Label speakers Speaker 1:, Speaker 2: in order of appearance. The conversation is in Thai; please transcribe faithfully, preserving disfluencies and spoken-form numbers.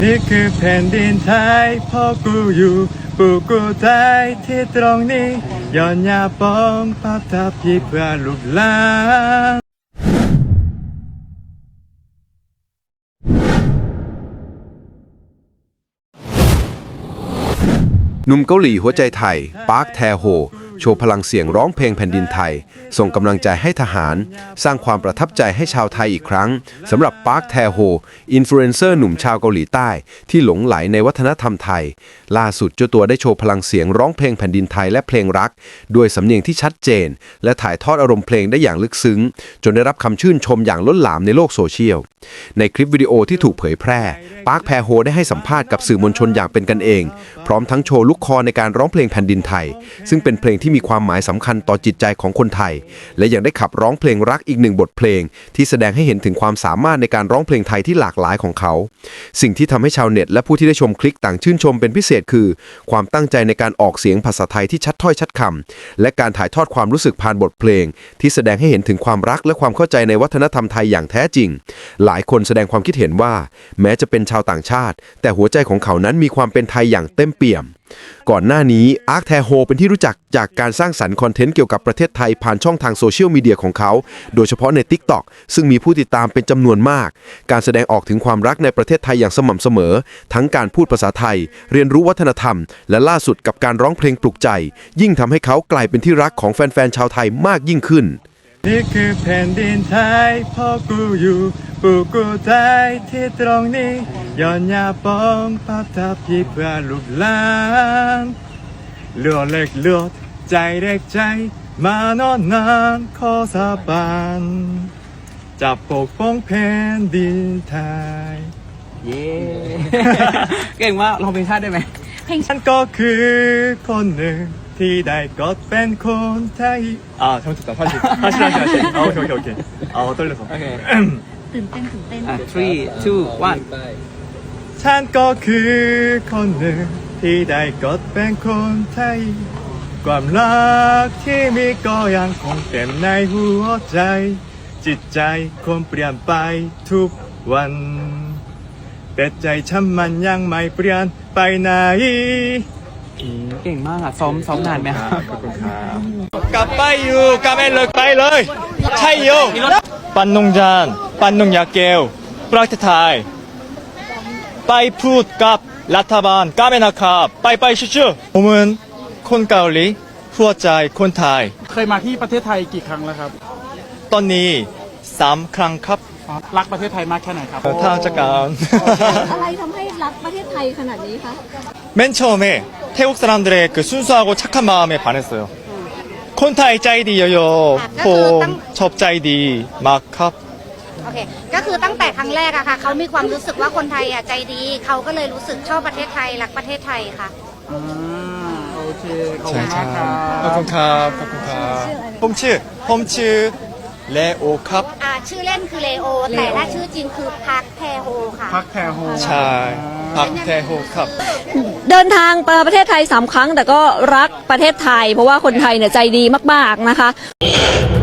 Speaker 1: นี่คือแผ่นดินไทยพ่อกูอยู่ปูกูไทยที่ตรงนี้ย้อนยาปองภาพทับพี่เพื่อลูกหลาน
Speaker 2: หนุ่มเกาหลีหัวใจไทยปาร์คแทโฮโชว์พลังเสียงร้องเพลงแผ่นดินไทยส่งกำลังใจให้ทหารสร้างความประทับใจให้ชาวไทยอีกครั้งสำหรับปาร์คแทโฮอินฟลูเอนเซอร์หนุ่มชาวเกาหลีใต้ที่หลงไหลในวัฒนธรรมไทยล่าสุดเจ้าตัวได้โชว์พลังเสียงร้องเพลงแผ่นดินไทยและเพลงรักด้วยสำเนียงที่ชัดเจนและถ่ายทอดอารมณ์เพลงได้อย่างลึกซึ้งจนได้รับคำชื่นชมอย่างล้นหลามในโลกโซเชียลในคลิปวิดีโอที่ถูกเผยแพร่ปาร์คแทโฮได้ให้สัมภาษณ์กับสื่อมวลชนอย่างเป็นกันเองพร้อมทั้งโชว์ลูกคอในการร้องเพลงแผ่นดินไทยซึ่งเป็นเพลงที่มีความหมายสำคัญต่อจิตใจของคนไทยและยังได้ขับร้องเพลงรักอีกหนึ่งบทเพลงที่แสดงให้เห็นถึงความสามารถในการร้องเพลงไทยที่หลากหลายของเขาสิ่งที่ทำให้ชาวเน็ตและผู้ที่ได้ชมคลิปต่างชื่นชมเป็นพิเศษคือความตั้งใจในการออกเสียงภาษาไทยที่ชัดถ้อยชัดคำและการถ่ายทอดความรู้สึกผ่านบทเพลงที่แสดงให้เห็นถึงความรักและความเข้าใจในวัฒนธรรมไทยอย่างแท้จริงหลายคนแสดงความคิดเห็นว่าแม้จะเป็นชาวต่างชาติแต่หัวใจของเขานั้นมีความเป็นไทยอย่างเต็มเปี่ยมก่อนหน้านี้อาร์คแทโฮเป็นที่รู้จักจากการสร้างสรรค์คอนเทนต์เกี่ยวกับประเทศไทยผ่านช่องทางโซเชียลมีเดียของเขาโดยเฉพาะใน ติ๊กต็อก ซึ่งมีผู้ติดตามเป็นจำนวนมากการแสดงออกถึงความรักในประเทศไทยอย่างสม่ำเสมอทั้งการพูดภาษาไทยเรียนรู้วัฒนธรรมและล่าสุดกับการร้องเพลงปลุกใจยิ่งทำให้เขากลายเป็นที่รักของแฟนๆชาวไทยมากยิ่งขึ้น
Speaker 1: นี่คือแผ่นดินไทยพ่อกูอยู่ปูกูไทยที่ตรงนี้ย้อนยาปองภาพทับพี่เพื่อลูกหลานเลือดเล็กเลือดใจเด็กใจมานอนนานขอสาบานจะปกป้องแผ่นดินไทย
Speaker 3: เย้ เก่งมากร้องเพลงชาติได้ไหม
Speaker 1: เพลงฉันก็คือคนหนึ่งที่ได้กดเป็นคนไทยอ่าทำถูกต้อง다시다시다시다시โอเคโอเคโอเคเอา떨려서
Speaker 3: โอเค
Speaker 4: ตื่นเต้นตื่นเต้น
Speaker 3: อ่ะ three two one
Speaker 1: ฉันก็คือคนหนึ่งที่ได้กดเป็นคนไทยความรักที่มีก็ยังคงเต็มในหัวใจจิตใจคนเปลี่ยนไปทุกวันแต่ใจฉันมันยังไม่เปลี่ยนไปไหน
Speaker 3: เก่งมากอ่ะซ้อมซ้อมนานไหมครับ
Speaker 1: ขอบคุณครับกลับไปอยู่กลับไปเลยไปเลยใช่โยปันนงจานปันนงยาเกลประเทศไทยไปพูดกับรัฐบาลกาเมนาคาไปไปชื่อๆผมเป็นคนเกาหลีหัวใจคนไทย
Speaker 5: เคยมาที่ประเทศไทยกี่ครั้งแล้วครับ
Speaker 1: ตอนนี้สามครั้งครับ
Speaker 5: รักประเทศไทยมากแค่ไหนครับ
Speaker 1: ทางจักรการ
Speaker 4: อะไรทำให้รักประเทศไทยขนาดนี้คะ
Speaker 1: 맨처음에태국사람들의그순수하고착한마음에반했어요콘타이짜이디요요ผมชอบใจดีมากครับ
Speaker 6: โอเคก็คือตั้งแต่ครั้งแรกอะค่ะเขามีความรู้สึกว่าคนไทยอะใจดีเขาก็เลยรู้สึกชอบประเทศไทยรักประเทศไทยค่ะ
Speaker 5: อ่าโอเคขอบคุณมากครับ
Speaker 1: ขอบคุณครับขอบคุณครับผมชื่อผมชื่อเลโอครับ
Speaker 6: อ่าชื่อเล่นคือเลโอแต่ถ้าชื่อจริงคือพักแทโฮค่ะ
Speaker 5: พักแทโฮ
Speaker 1: ใช่พักแทโฮครับ
Speaker 4: เดินทางไปประเทศไทยสามครั้งแต่ก็รักประเทศไทยเพราะว่าคนไทยเนี่ยใจดีมากๆนะคะ